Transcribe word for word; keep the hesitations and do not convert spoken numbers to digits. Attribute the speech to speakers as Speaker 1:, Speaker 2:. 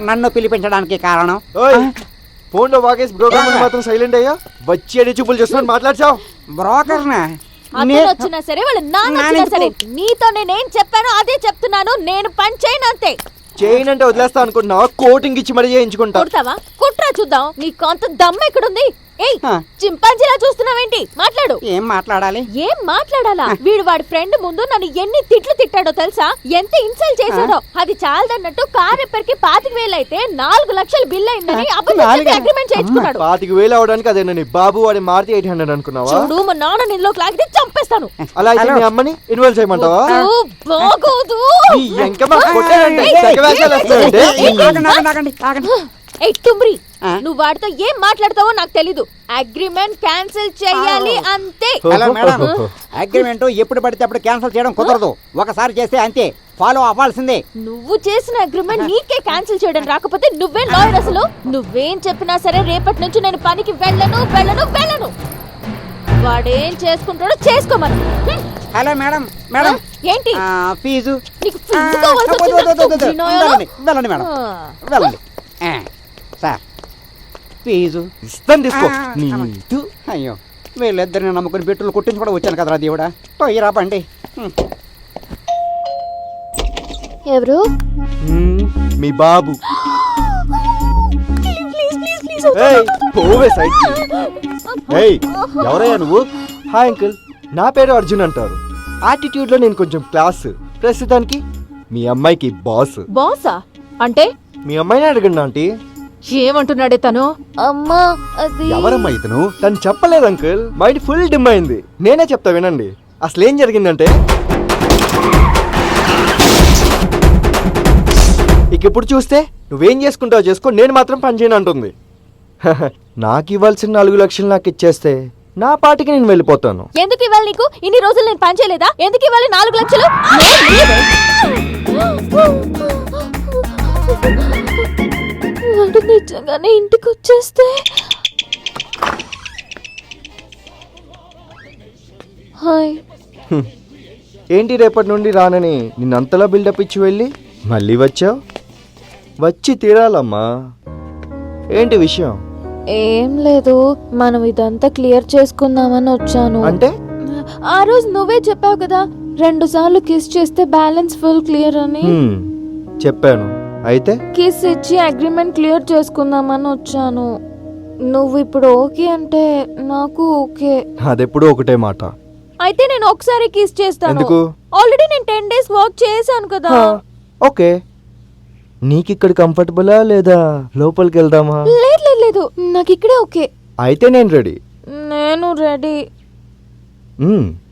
Speaker 1: నన్ను పిలిపించడానికి కారణం?
Speaker 2: ఫోన్ లో వాగేసి బ్రోకర్ మాత్రం సైలెంట్ అయ్యా. వచ్చి అడి చూపులు చేస్తున్నాను మాట్లాడచావు.
Speaker 1: బ్రోకర్నా?
Speaker 3: అతను వచ్చినా సరే వాళ్ళ నాన్న వచ్చినా సరే నీతో నేనేం చెప్పానో అదే చెప్తున్నాను. నేను పని చేయను అంతే.
Speaker 2: చేయను అంటే వదిలేస్తా అనుకుంటున్నావా? కోటింగ్ ఇచ్చి మరీ చేయించుకుంటా.
Speaker 3: కొడతావా? కుట్రా చూద్దాం. నీకు అంత దమ్ము ఎక్కడుంది? ఏయ్ చింపాంజీలా చూస్తున్నావేంటి? మాట్లాడు.
Speaker 1: ఏం మాట్లాడాలి?
Speaker 3: ఏం మాట్లాడాలా? వీడు వాడి ఫ్రెండ్ ముందు నన్ను ఎన్ని తిట్లు తిట్టాడో తెలుసా? ఎంత ఇన్సల్ట్ చేశాడో. అది చాలదన్నట్టు కార్ రిపేర్ కి పాతిక వేలు అయితే నాలుగు లక్షలు బిల్ అయిందని అబద్ధం అగ్రిమెంట్ చేయించుకున్నాడు.
Speaker 2: పాతిక వేలు అవడానికి అదేనని బాబు వాడి మారుతి ఎయిట్ హండ్రెడ్ అనుకున్నావా?
Speaker 3: చూడు మా నాన్న నిన్నులోకి లాగితే చంపేస్తాను.
Speaker 2: అలా అయితే మీ అమ్మని ఇన్వాల్వ్ చేయమంటావా?
Speaker 3: బాగోదు. ఏయ్ తుమ్రి, నువ్వు వాడితో ఏం మాట్లాడతావో నాకు తెలీదు. అగ్రిమెంట్ క్యాన్సిల్ చేయాలి అంతే.
Speaker 1: హలో మేడం, అగ్రిమెంట్ ఎప్పుడు పడితే అప్పుడు క్యాన్సిల్ చేయడం కుదరదు. ఒకసారి చేస్తే అంతే, ఫాలో అవ్వాల్సిందే.
Speaker 3: నువ్వు చేసిన అగ్రిమెంట్ నీకే క్యాన్సిల్ చేయడం రాకపోతే నువ్వే లాయర్. అసలు నువ్వేం చెప్పినా సరే రేపటి నుంచి నేను పనికి వెళ్ళను వెళ్ళను వెళ్ళను. వాడేం చేసుకుంటాడో చేసుకోమను.
Speaker 1: హలో మేడం, మేడం
Speaker 3: ఏంటి
Speaker 1: ఫీజు?
Speaker 3: నీకు ఫీజు కావాల్సి వచ్చిందా?
Speaker 1: వెళ్ళండి మేడం, వెళ్ళండి. సార్ ఫీజు
Speaker 2: ఇస్తాను, తీసుకో.
Speaker 1: అయ్యో, వీళ్ళిద్దరిని నమ్ముకుని పెట్టులు కొట్టించి కూడా వచ్చాను కదరా దేవుడా. పోయిరా బండి.
Speaker 3: ఎవరు?
Speaker 2: మీ బాబు. ఎవరయ్యా నువ్వు? హాయ్ అంకుల్, నా పేరు అర్జున్ అంటారు. యాటిట్యూడ్ లో నేను కొంచెం క్లాస్. ప్రస్తుతానికి మీ అమ్మాయికి బాస్.
Speaker 3: బాసా అంటే?
Speaker 2: మీ అమ్మాయిని అడగండి ఆంటీ.
Speaker 3: ఏమంటున్నాడే తను? అమ్మా అది
Speaker 2: ఎవరమ్మా ఇతను? తను చెప్పలేదు అంకుల్. మైండ్ ఫుల్ డిమ్ అయింది. నేనే చెప్తా వినండి. అసలు ఏం జరిగిందంటే, ఇక ఇప్పుడు చూస్తే నువ్వేం చేసుకుంటావు చేసుకో, నేను మాత్రం పని చేయను అంటుంది. నాకు ఇవ్వాల్సిన నాలుగు లక్షలు నాకు ఇచ్చేస్తే నా పాటికి నేను వెళ్ళిపోతాను.
Speaker 3: ఎందుకు ఇవ్వాలి నీకు? ఇన్ని రోజులు నేను పని చేయలేదా? ఎందుకు ఇవ్వాలి నాలుగు లక్షలు? వాడు నిజంగానే ఇంటికి వచ్చేస్తే హాయ్.
Speaker 2: ఏంటి రేపటి నుండి రానని నిన్నంతలా బిల్డప్ ఇచ్చి వెళ్ళి మళ్ళీ వచ్చావు? వచ్చి తీరాలమ్మా. ఏంటి విషయం?
Speaker 3: ఏం లేదు, మనం ఇదంతా క్లియర్ చేసుకుందామని వచ్చాను.
Speaker 2: అంటే?
Speaker 3: ఆ రోజు నువ్వే చెప్పావు కదా, రెండు సార్లు కిస్ చేస్తే బ్యాలెన్స్ ఫుల్ క్లియర్ అని.
Speaker 2: చెప్పాను. అయితే
Speaker 3: కిస్ ఇచ్చి అగ్రిమెంట్ క్లియర్ చేసుకుందామని వచ్చాను. నువ్వు ఇప్పుడు ఓకే అంటే నాకు ఓకే.
Speaker 2: అదెప్పుడు ఒకటే మాట.
Speaker 3: అయితే నేను ఒకసారి కిస్ చేస్తాను.
Speaker 2: ఎందుకు?
Speaker 3: ఆల్రెడీ నేను టెన్ డేస్ వర్క్ చేశాను కదా.
Speaker 2: ఓకే. నీకు ఇక్కడ కంఫర్టబులా లేదా లోపలికి వెళ్దామా?
Speaker 3: లేదు లేదు లేదు, నాకు ఇక్కడే ఓకే.
Speaker 2: అయితే నేను రెడీ.
Speaker 3: నేను రెడీ.